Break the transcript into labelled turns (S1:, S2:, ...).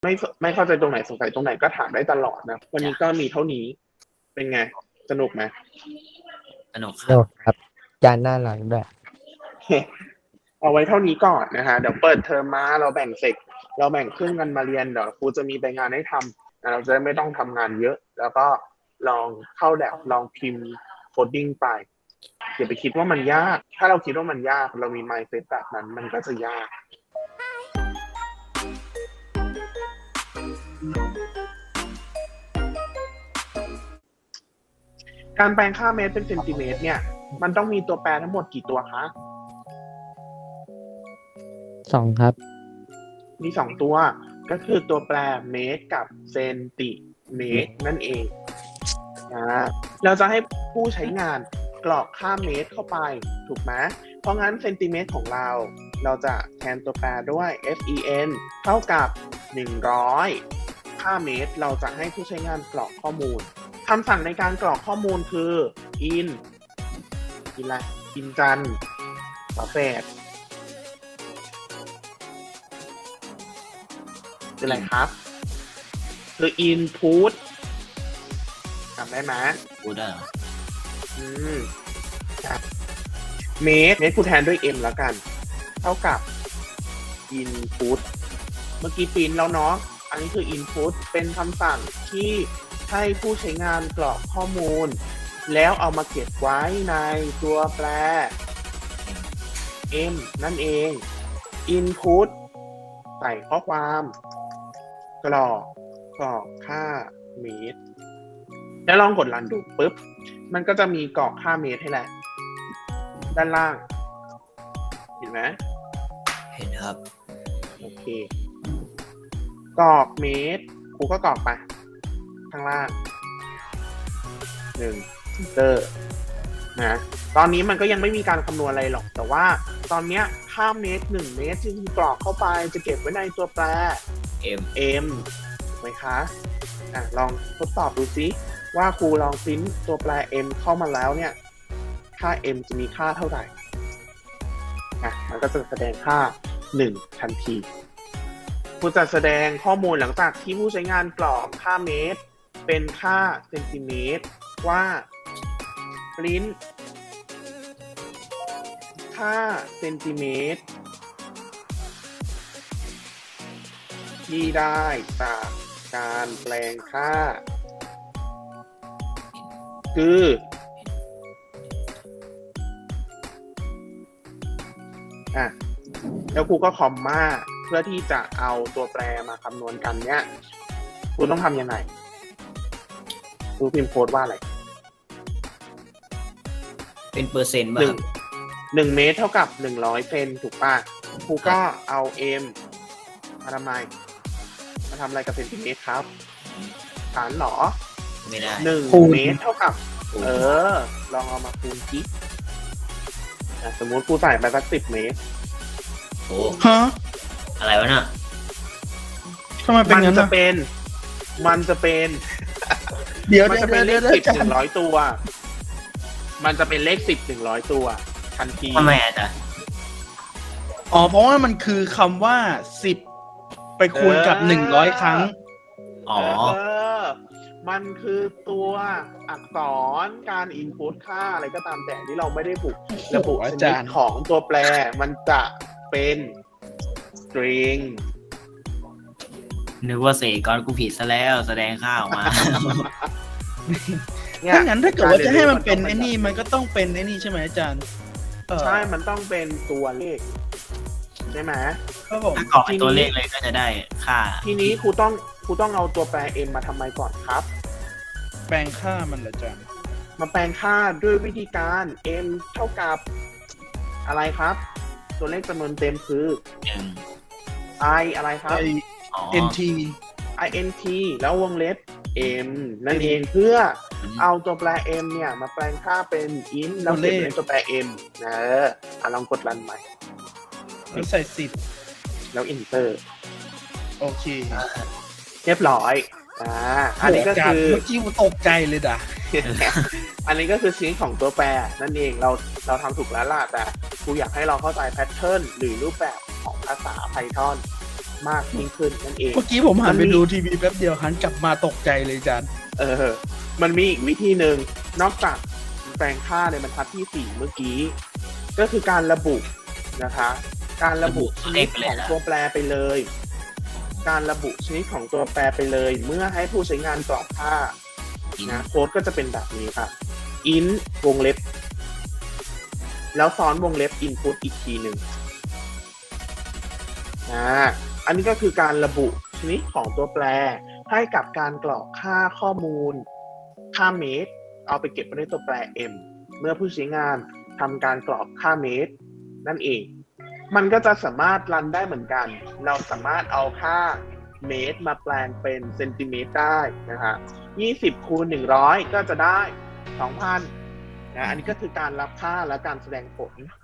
S1: ไม่ไม่เข้าใจตรงไหนสงสัยตรงไหนก็ถามได้ตลอดนะวันนี้ก็มีเท่านี้เป็นไงสนุกไหม
S2: สนุกค
S3: โล
S2: รับ
S3: กครับจานหน้าหลังด้วย
S1: เอาไว้เท่านี้ก่อนนะฮะเดี๋ยวเปิดเทอมมาเราแบ่งเซกเราแบ่งครึ่งกันมาเรียนเดี๋ยวครูจะมีใบงานให้ทำเราจะไม่ต้องทำงานเยอะ แล้วก็ลองเข้าแลบลองพิมพ์โคดดิ้งไปอย่าไปคิดว่ามันยาก ถ้าเราคิดว่ามันยากเรามี mindset แบบนั้นมันก็จะยากการแปลงค่าเมตรเป็นเซนติเมตรเนี่ยมันต้องมีตัวแปรทั้งหมดกี่ตัวคะ
S3: 2 ครับ
S1: มี2ตัวก็คือตัวแปรเมตรกับเซนติเมตรนั่นเองเราจะให้ผู้ใช้งานกรอกค่าเมตรเข้าไปถูกไหมเพราะงั้นเซนติเมตรของเราจะแทนตัวแปรด้วย fen เท่ากับ100ค่าเมตรเราจะให้ผู้ใช้งานกรอกข้อมูลคำสั่งในการกรอกข้อมูลคือ in อะไร in จันฝาแฝดคืออะไรครับคือ input จำได้ไหม
S2: พูดได้เหรอ
S1: เมตรกูแทนด้วย m แล้วกัน เท่ากับ input เมื่อกี้ปริ้นแล้วเนาะอันนี้คือ input เป็นคำสั่งที่ให้ผู้ใช้งานกรอกข้อมูล แล้วเอามาเก็บไว้ในตัวแปร m นั่นเอง input ใส่ข้อความกรอกค่าเมตรแล้วลองกดรันดูปุ๊บมันก็จะมีกรอกค่าเมตรให้แหละด้านล่างเห็นไหม
S2: เห็นครับ
S1: โอเคกรอกเมตรครูก็กรอกไปข้างล่าง1 เตอร์นะตอนนี้มันก็ยังไม่มีการคำนวณอะไรหรอกแต่ว่าตอนเนี้ยค่าเมตร1 เมตรที่กรอกเข้าไปจะเก็บไว้ในตัวแปร m ถูกไหมคะลองทดสอบดูซิว่าครูลองพิมพ์ตัวแปร m เข้ามาแล้วเนี่ยค่า m จะมีค่าเท่าไหร่มันก็จะแสดงค่า1ทันทีครูจะแสดงข้อมูลหลังจากที่ผู้ใช้งานกรอกค่าเมตรเป็นค่าเซนติเมตรว่าปริ้นค่าเซนติเมตรที่ได้จากการแปลงค่าคือแล้วครูก็คอมมาเพื่อที่จะเอาตัวแปรมาคำนวณกันเนี่ยครูต้องทำยังไงครูพิมพ์โค้ดว่าอะไร
S2: เป็นเปอร์เซ็นต์ป่ะครับ
S1: 1 เมตรเท่ากับ100เซนถูกป่ะครูก็เอา m มาทำไมมาทำอะไรกับเซนติเมตรครับฐานหรอ
S2: ไม่ได้
S1: 1 เมตรเท่ากับลองเอามาคูณสิสมมติครูใส่ไปสัก10 เมตร
S2: โอ้
S4: ฮะ
S2: อะไรวะน่ะ
S4: ทำไมเป็นงั้น
S1: มันจะเป็น
S4: เดี๋ยว
S1: มันจะเป็นเลข10
S4: ดี๋ยว
S1: 100 ตัวมันจะเป็นเลข10 100 ตัวทันที
S2: ทำไมอาจารย์
S4: อ๋อเพราะว่ามันคือคำว่า10ไปคูณกับ100ครั้ง
S2: อ๋อ
S1: มันคือตัวอักษรการ input ค่าอะไรก็ตามแต่ที่เราไม่ได้ระบุชนิดของตัวแปรมันจะเป็น string
S2: นึกว่าเสกก่อนกูผิดซะแล้วแสดงค่าออกมา
S4: ถ้างั้นถ้าเกิดว่าจะให้มันเป็นไอ้นี่มันก็ต้องเป็นไอ้นี่ใช่ไหมอาจารย์
S1: ใช่มันต้องเป็นตัวเลขใช่ไหม
S4: ครับผม
S2: ถ้ากรอกตัวเลขเลยก็จะได้ค่า
S1: ทีนี้ครูต้องเอาตัวแปร m มาทำไมก่อนครับ
S4: แปลงค่ามันเหรออาจารย์
S1: มาแปลงค่าด้วยวิธีการ m เท่ากับอะไรครับตัวเลขจำนวนเต็มคือ i อะไรครับ
S4: int
S1: int แล้ววงเล็บ m นั่นเองเพื่อเอาตัวแปร m เนี่ยมาแปลงค่าเป็น int แล้วเก็บในตัวแปร m ลองกดรันใหม่
S4: แล้วใส่
S1: 10แล้ว enter
S4: โอเค
S1: เรียบร้อยอันนี้ก็คือ
S4: เมื่อกี้ผมตกใจเลยด่ะ
S1: อันนี้ก็คือชิ้นของตัวแปรนั่นเองเราทำถูกแล้วล่ะแต่ครูอยากให้เราเข้าใจแพทเทิร์นหรือรูปแบบของภาษา Python มากยิ่งขึ้นนั่นเอง
S4: เมื่อกี้ผมหันไปดูทีวีแป๊บเดียวหันกลับมาตกใจเลยอาจารย์
S1: มันมีอีกวิธีหนึ่งนอกจากแปลงค่าในบรรทัดที่ 4 เมื่อกี้ ก็คือการระบุนะคะ การระบุชนิดของตัวแปรไปเลย การระบุชนิดของตัวแปรไปเลย เมื่อให้ผู้ใช้งานกรอกค่านะโค้ดก็จะเป็นแบบนี้ครับ int วงเล็บ แล้วซ้อนวงเล็บ input อีกทีหนึ่งอันนี้ก็คือการระบุชนิดของตัวแปรให้กับการกรอกค่าข้อมูลค่าเมตรเอาไปเก็บไว้ในตัวแปร m เมื่อผู้ใช้งานทำการกรอกค่าเมตรนั่นเองมันก็จะสามารถรันได้เหมือนกันเราสามารถเอาค่าเมตรมาแปลงเป็นเซนติเมตรได้นะฮะ20 คูณ 100ก็จะได้ 2,000 นะอันนี้ก็คือการรับค่าและการแสดงผล